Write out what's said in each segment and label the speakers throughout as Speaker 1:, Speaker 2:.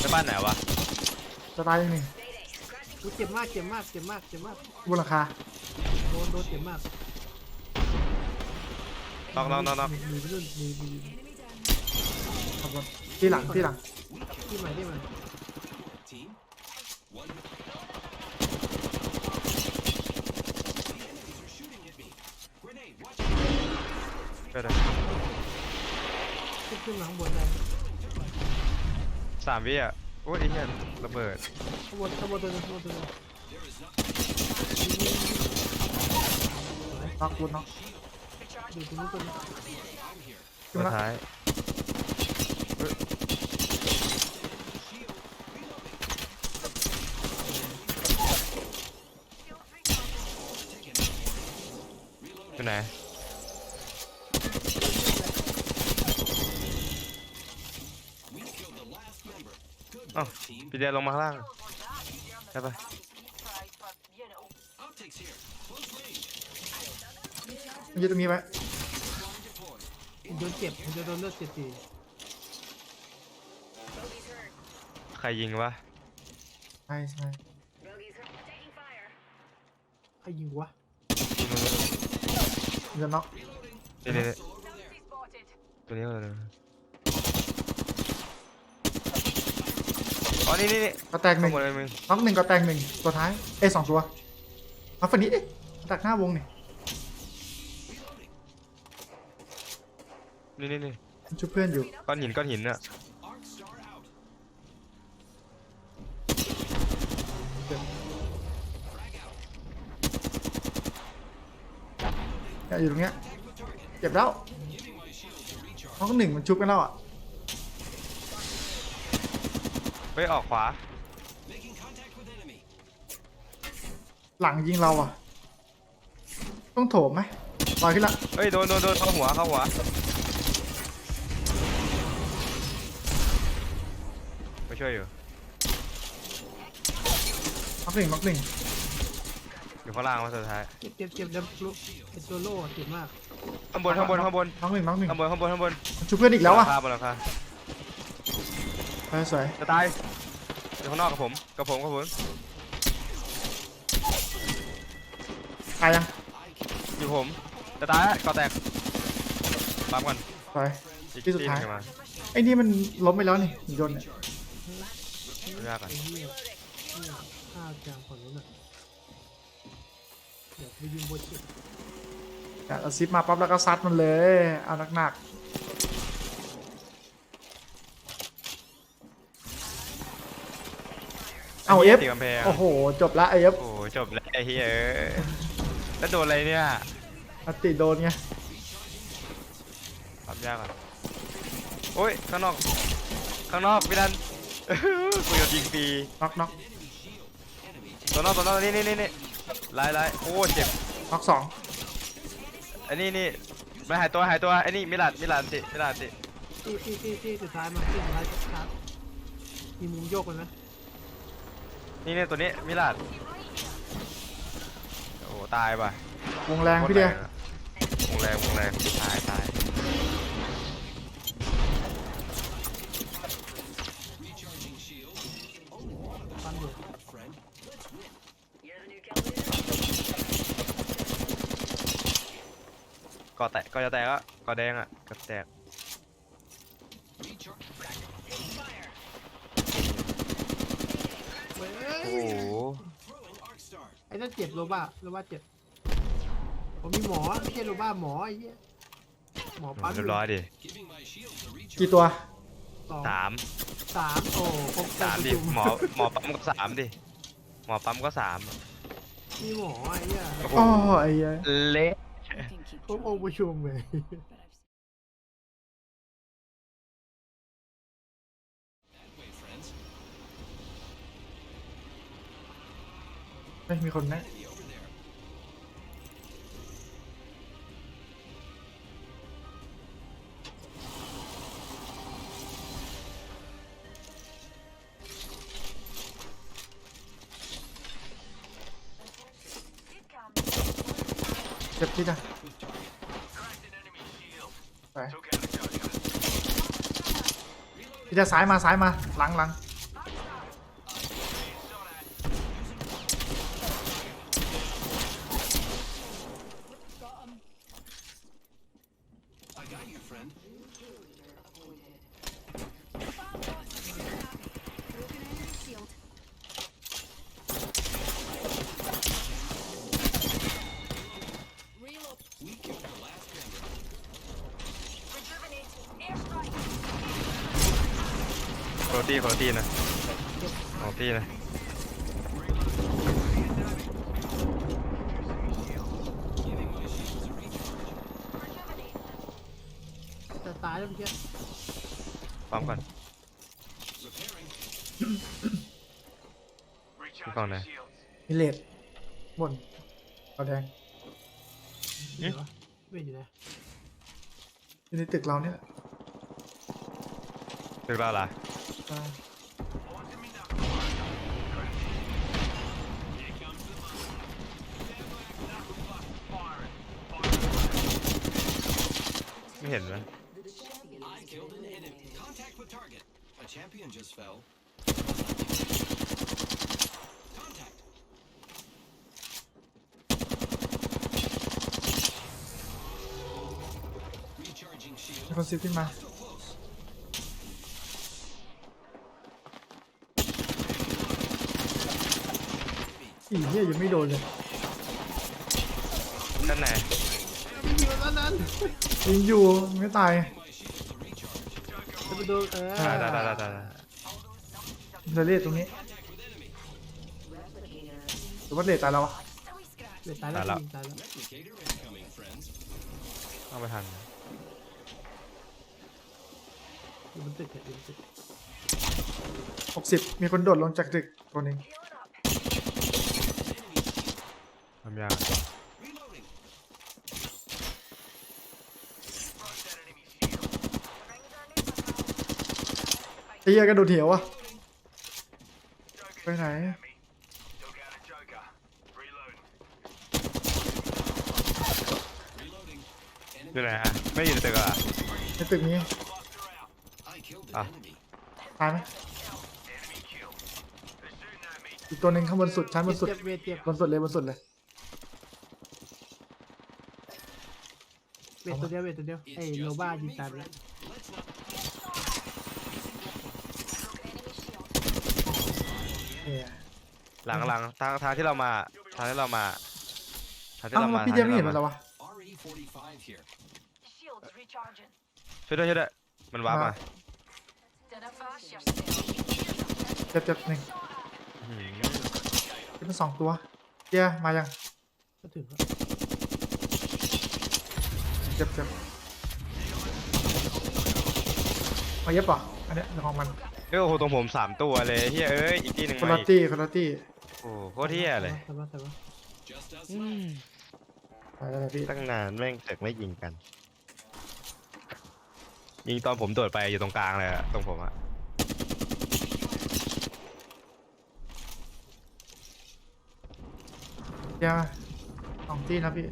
Speaker 1: จะบ้านไหนวะ
Speaker 2: จะตายยังไง
Speaker 3: เจ็บมากเจ็บมากเจ็บมากเจ็บมาก
Speaker 2: บนราคา
Speaker 3: โดนเจ็บมาก
Speaker 1: น็อก
Speaker 3: มีไปรุ่นมี
Speaker 2: ขบวนที่หลัง
Speaker 3: ที่ใหม่
Speaker 1: ก็ได้
Speaker 3: ขึ้นหลังบนได้
Speaker 1: 3 วิอ่ะโอ้ยไอ้เหี้ยระเบิด
Speaker 3: ข้างบนตัวนึง
Speaker 2: น็อกบนน็อก
Speaker 3: อยู่ตรงนี้ตัวนึง
Speaker 1: ตัวท้ายอยู่ไหนอ้าวพี่เดียลงมาข้างล่างใช่ปะ
Speaker 2: ยืดตรงนี้ไว้
Speaker 3: โดนเจ็บผมจะโดนเลือดเจ็บ
Speaker 1: ใครยิงวะ
Speaker 2: ใช่
Speaker 3: ใครยิงวะ
Speaker 2: จะน็อก
Speaker 1: นี่ตัวนี้เลยอ๋อนี่
Speaker 2: ก็แตกหนึ่งน็อกหนึ่งก็แตกหนึ่งตัวท้าย2 ตัวมาฝั่งนี้ดิตักหน้าวงนี่ช่วยเพื่อนอยู่
Speaker 1: ก้อนหินอ่ะ
Speaker 2: อยู่ตรงเนี้ยเจ็บแล้วน้อง1มันชุบกันแล้วอ่ะ
Speaker 1: ไปออกขวา
Speaker 2: หลังยิงเราอ่ะต้องโถมไหมลอยขึ้นละ
Speaker 1: เฮ้ยโดนเข้าหัวไม่ช่วยอยู่
Speaker 2: น็อกหนึ่ง
Speaker 1: อยู่ข้างล่างมาสุดท้าย
Speaker 3: เจ็บดับลุกไอตัวโล่เจ็บมาก
Speaker 1: ข้างบน
Speaker 2: น็อกหนึ่ง
Speaker 1: ข้างบน
Speaker 2: ชุบเพื่อนอีกแล้วอ่ะ
Speaker 1: บนหลังคา
Speaker 2: สวย
Speaker 1: จะตายอยู่ข้างนอกกับผม
Speaker 2: ตายยัง
Speaker 1: อยู่ผมจะตายก่อแตกปั๊มก่อน
Speaker 2: ที่สุดท้ายไอ้นี่มันล้มไปแล้วนี่โดนเนี่ย
Speaker 1: ยากอ่ะ
Speaker 3: ข้าวจางฝั่งนู้นอ่ะเดี๋ยวไปยิงบนเจ็บ
Speaker 2: เอาซิปมาปั๊บแล้วก็ซัดมันเลยเอาหนักเอาเอฟโอ้โหจบละเอฟ
Speaker 1: โอ้จบแล้วไอ้เหี้ยแล้วโดนอะไรเนี่ย
Speaker 2: อติโดนไง
Speaker 1: ทำยากอ่ะโอ้ยข้างนอกพี่นันกูจะยิงปี
Speaker 2: น็อก
Speaker 1: ตัวนอกนี่ลายโอ้เจ็บ
Speaker 2: น็อก2
Speaker 1: อันนี้ไม่หายตัวไอ้นี่มิลานติ
Speaker 3: ที่สุดท้ายมาที่สุดท้ายครับมีมุมโยกมันไหม
Speaker 1: นี่ตัวนี้มิลานโอ้ตายป่ะ
Speaker 2: วงแรงพี่เดียว
Speaker 1: วงแรงตายก่อจะแตกอ่ะก่อแดงอ่ะก็แตกโอ้โห
Speaker 3: ไอ้นั่นเจ็บโรบ้าเจ็บผมมีหมอไม่ใช่โรบ้าหมอไอ้เหี้ยหมอปั๊ม
Speaker 1: เรียบร้อยดิ
Speaker 2: กี่ตัว
Speaker 1: 3
Speaker 3: โอ้
Speaker 1: 3ดิหมอปั๊มก็3ดิหมอปั๊มก็3
Speaker 3: มีหมอไอ้เหี้ย
Speaker 2: อ๋อไอ้เหี้ย
Speaker 1: เละ
Speaker 3: ผมองค์ประชุมเลย
Speaker 2: ไม่มีคนนะเจ็บที่ไหนไปพี่จะซ้ายมาหลัง
Speaker 4: friend.
Speaker 5: Broken enemy shield. Reload.
Speaker 4: We killed the last member.
Speaker 5: Rejuvenate. Airstrike.
Speaker 1: โคโรตี้นะของตี้นะ
Speaker 4: Giving my shields a recharge.
Speaker 5: Rejuvenate.
Speaker 3: จะตายแล้วเมื่อกี้
Speaker 1: ปั๊มก่อน
Speaker 4: Repairing.
Speaker 1: พี่กองไหน
Speaker 2: มิเลตบนเอาแดง
Speaker 3: เดี๋ยววะไม่อยู่นะ
Speaker 2: อยู่ในตึกเราเนี่ย
Speaker 1: ถึงเราล่ะ
Speaker 2: อ่า
Speaker 1: ไม่เห็นไหม
Speaker 4: I killed an enemy. Contact with target. A champion just fell. Contact. Recharging
Speaker 2: มี
Speaker 4: shield.
Speaker 2: คนซิฟขึ้นมา
Speaker 4: Still close.
Speaker 2: อีเหี้ยยังไม่โดนเลย
Speaker 1: ด้านไหน
Speaker 3: ไม่อยู่แล้วนั้น
Speaker 2: ยิงอยู่ไม่ตาย
Speaker 4: My shields a recharge.
Speaker 3: จะไปโดน
Speaker 1: ได้
Speaker 2: เดเลตตรงนี้
Speaker 4: Contact with enemy.
Speaker 2: หรือว่าเลตตายแล้ววะ
Speaker 3: เดี๋ยวตายแล้วยิงตายแล้ว
Speaker 4: Replicator incoming, friends.
Speaker 1: เอาไปทัน
Speaker 3: อยู่บนตึกอยู่บนตึก
Speaker 2: 60มีคนโดดลงจากตึกตัวหนึง
Speaker 1: ทำยาก
Speaker 4: Reloading.
Speaker 2: ไอ้เหี้ยกระโดดเหวอะไปไหน
Speaker 4: Reloading.
Speaker 1: อยู่ไหนฮะไม่อยู่ในตึกอ่ะ
Speaker 2: ในตึกนี้
Speaker 4: I killed
Speaker 1: Ah.
Speaker 4: an enemy.
Speaker 2: ตายไหมอีกตัวหนึ่งข้างบนสุดชั้นบนสุด
Speaker 3: เจ็บเวทเจ็บบ
Speaker 2: นสุดเลยบนสุดเลย
Speaker 3: เวทตัวเดียวเวทตัวเดียวไอ้โลบ้ายิงตายไปแล้ว
Speaker 4: Let's not.
Speaker 5: Broken enemy shield.
Speaker 2: เนี่ย
Speaker 1: หลังทางที่เรามาทางที่เรามา
Speaker 2: เอ้าพี่เจมไม่เห็นมันแล้ววะ
Speaker 4: RE45 here.
Speaker 5: Shields recharging.
Speaker 1: ช่วยด้วยมันวาร์ปมา
Speaker 5: Gonna flash yourself.
Speaker 2: เจ็บหนึ่ง
Speaker 1: อื้อหือ
Speaker 2: เป็นสองตัวเจียมายัง
Speaker 3: ก็ถึงแล้ว
Speaker 2: เจ็บมาเย็บป่ะอันเนี้ยของมัน
Speaker 1: เอ้ยโอ้โหตรงผม3ตัวเลยเฮ้ยเอ้ยอีกที่หนึ่ง
Speaker 2: คน
Speaker 1: มา
Speaker 2: ละ
Speaker 1: อีก
Speaker 2: ตี้คนละตี้
Speaker 1: โอ้โหโคตรเที่ยเลย
Speaker 3: แต่ว่า
Speaker 4: Just us
Speaker 1: อื
Speaker 4: left.
Speaker 1: ม
Speaker 2: ไปแล้วนะพี่
Speaker 1: ตั้งนานแม่งเสกไม่ยิงกัน ยิงตอนผมโดดไปอยู่ตรงกลางเลยอะตรงผมอะ
Speaker 2: เจียสองตี้นะพี่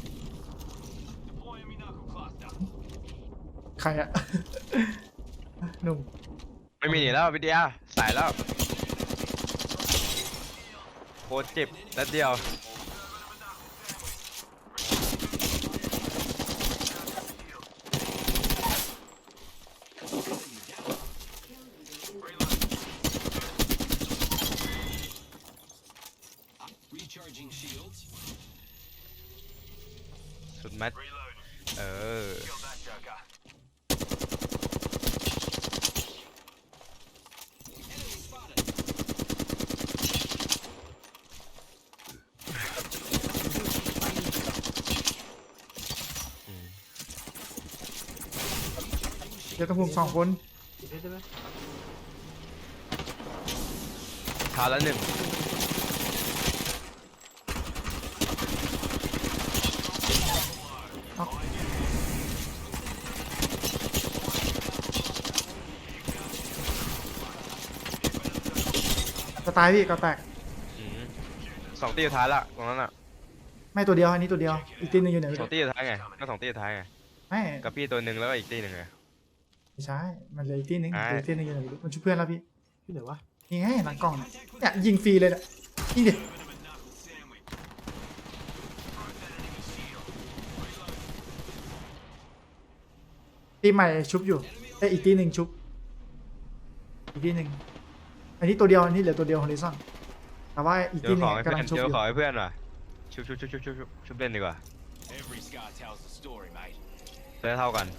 Speaker 2: ใครอะ หนุ่ม
Speaker 1: ไม่มีหนีแล้ววิทยาสายแล้วโคตรเจ็บนัดเดียว
Speaker 4: Recharging shields.
Speaker 1: สุดแม็ดเออ
Speaker 4: Enemy spotted.
Speaker 1: อืม
Speaker 2: เดี๋ยวต้องพุ่มสองคน
Speaker 3: ติดได้ไหม
Speaker 1: ทาละหนึ่ง
Speaker 2: จะตายพี่ก็แตก
Speaker 1: อืมสองตีสุดท้ายละตรงนั้นอะ
Speaker 2: ไม่ตัวเดียวอันนี้ตัวเดียวอีกตีหนึงอยู่ไหนไม่
Speaker 1: สอ
Speaker 2: รู้
Speaker 1: งตีสุดท้ายไงก็สองตีสุดท้ายไง
Speaker 2: ไม่
Speaker 1: กับพี่ตัวหนึ่งแล้วก็อีกตีหนึ่งไง
Speaker 2: ไม่ใช่มันเหลยอีกตีหนึง
Speaker 1: ไอ้
Speaker 2: เหลืออีกตีหนึงอยู่ไหนไม่รู้มันช่วยเพื่อนแล้วพี่
Speaker 3: ที่ไหนวะ
Speaker 2: นี่ไงหลังกล่องเนี่ยยิงฟรีเลยเนี่ยยิงดิตีใหม่ชุบอยู่อีกตีหนึ่งชุบอีกตีหนึ่งอันนี้ตัวเดียวอันนี้เหลือตัวเดียวฮอริซอนแต่ว่าอีก
Speaker 1: เดี๋
Speaker 2: ตี
Speaker 1: ยว
Speaker 2: ห
Speaker 1: ข
Speaker 2: นึ่
Speaker 1: อง ให้เพื่
Speaker 2: กำ
Speaker 1: อ
Speaker 2: ลั
Speaker 1: น
Speaker 2: งชุบ
Speaker 1: เดี๋
Speaker 2: อ
Speaker 1: ยว
Speaker 2: ยู่
Speaker 1: ขอให้เพื่อนว่ะชุบเล่นดีกว่า
Speaker 4: Every scar tells a story, mate.
Speaker 1: ได้เท่ากัน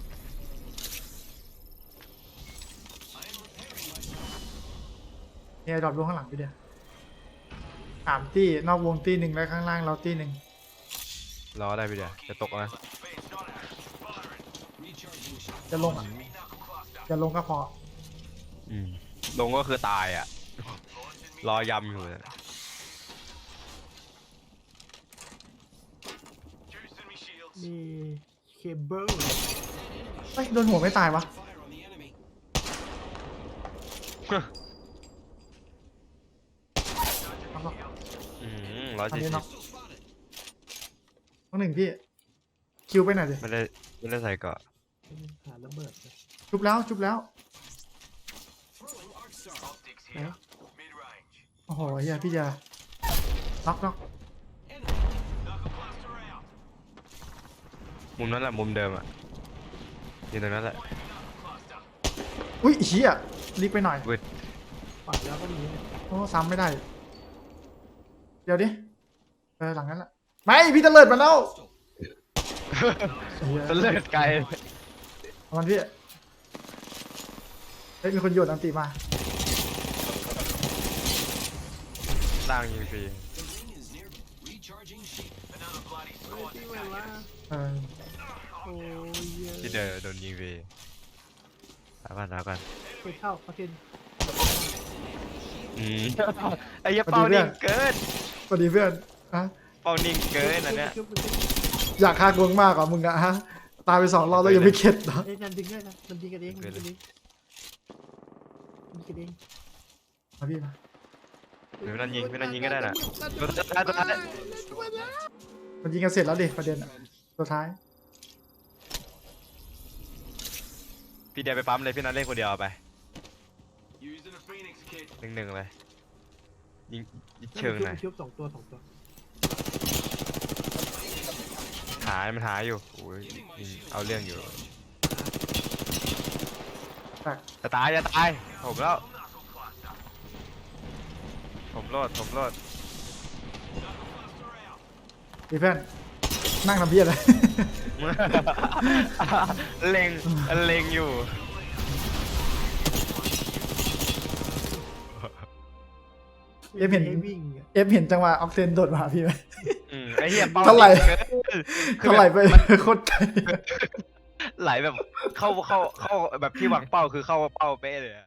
Speaker 2: เนี่ยดรอปลงข้างหลังไปเดียวสามตีนอกวงตีหนึ่งแล้วข้างล่างเราตีหนึ่ง
Speaker 1: รอได้พี่เดียวจะตกนะ
Speaker 4: Recharging shield.
Speaker 2: จะลงจะลงก็พอ
Speaker 1: ลงก็คือตายอ่ะ รอยำอยู่เนี่ย
Speaker 3: มีเคเบิล
Speaker 2: เฮ้ยโดนหัวไม่ตายวะ
Speaker 4: Fire on the enemy.
Speaker 2: เอาก็
Speaker 1: 140
Speaker 2: อันนี้เนาะ
Speaker 4: Pistol spotted.
Speaker 2: ต้องหนึ่งพี่คิวไปหน่อยดิ
Speaker 1: ไม่ได้ใส่เกาะ
Speaker 3: หาระเบิดเลย
Speaker 2: ชุบแล้วชุบแล้ว
Speaker 4: Throwing arc star. Optics
Speaker 3: ไหน
Speaker 4: Mid-range.
Speaker 2: โอ้โหเฮียพี่จะน็อก
Speaker 4: Enemy. Knuckle blaster out.
Speaker 1: มุมนั้นแหละมุมเดิมอ่ะอยู่ตรงนั้นแหละ
Speaker 2: อุ้ยเฮียรีบไปหน่อย
Speaker 3: ปัดแล้วก็มีเนี่ย
Speaker 2: โอ้ซ้ำไม่ได้ เดี๋ยวดิหลังนั้นแหละไม่พี่ตะเลิดมาแล้วเหี้ย
Speaker 1: ตะเลิดไกล
Speaker 2: เอามันพี่เฮ้ยมีคนโยนอันติมา
Speaker 1: ล่างยิงฟรี
Speaker 4: The ring is near. Recharging shield. Another bloody
Speaker 3: เฮ้ยที่มันว่า
Speaker 2: เออ
Speaker 3: โอ้ยเหี้ย
Speaker 1: ที่เดินโดนยิงฟรีถามกัน
Speaker 3: ไปเข้าประเทศ
Speaker 1: ไอ้เหี้ยเป้านิ่งเกิน
Speaker 2: สวัสดีเพื่อนฮะ
Speaker 1: เป้านิ่งเกินอันเนี้ย
Speaker 2: อยากฆ่ากวงมากกว่ามึงอะฮะตายไป2 รอบแล้วยังไม่เข็ดเหรอ
Speaker 3: เอ้ยนั่นดึงได้นะมันยิงกันเองมันยิงกันเองมันยิงกันเอง
Speaker 2: มาพี่มา
Speaker 1: หรือนั่นยิงก็ได้น่ะ
Speaker 3: ตัวท้าย
Speaker 2: มันยิงกันเสร็จแล้วดิประเด็นอะตัวท้าย
Speaker 1: พี่เดียไปปั๊มเลยพี่นัทเล่นคนเดียวเอาไป
Speaker 4: Using a phoenix kit.
Speaker 1: 1-1เลยยิงเชิงหน่อย
Speaker 3: ชุบ2 ตัว
Speaker 1: มันหาอยู่โอ้ยยิงเอาเรื่องอยู่
Speaker 2: แตก
Speaker 1: จะตายผมแล้วผมโลด
Speaker 2: พี่เพื่อนนั่งทำเพี้ยอะไร
Speaker 1: เล็งอยู่
Speaker 2: เอฟเห็น
Speaker 3: วิ่งอะ
Speaker 2: เอฟเห็นจังหวะออกเซนโดดมาหาพี่ไหม
Speaker 1: ไอ้เหี้ยเป้า
Speaker 2: เท่าไหร่
Speaker 1: นิ่งเกิน
Speaker 2: เท่าไหร่ไปโคตรไกล
Speaker 1: ไหลแบบเข้าแบบที่หวังเป้าคือเข้าเป้าเป๊ะเลยอะ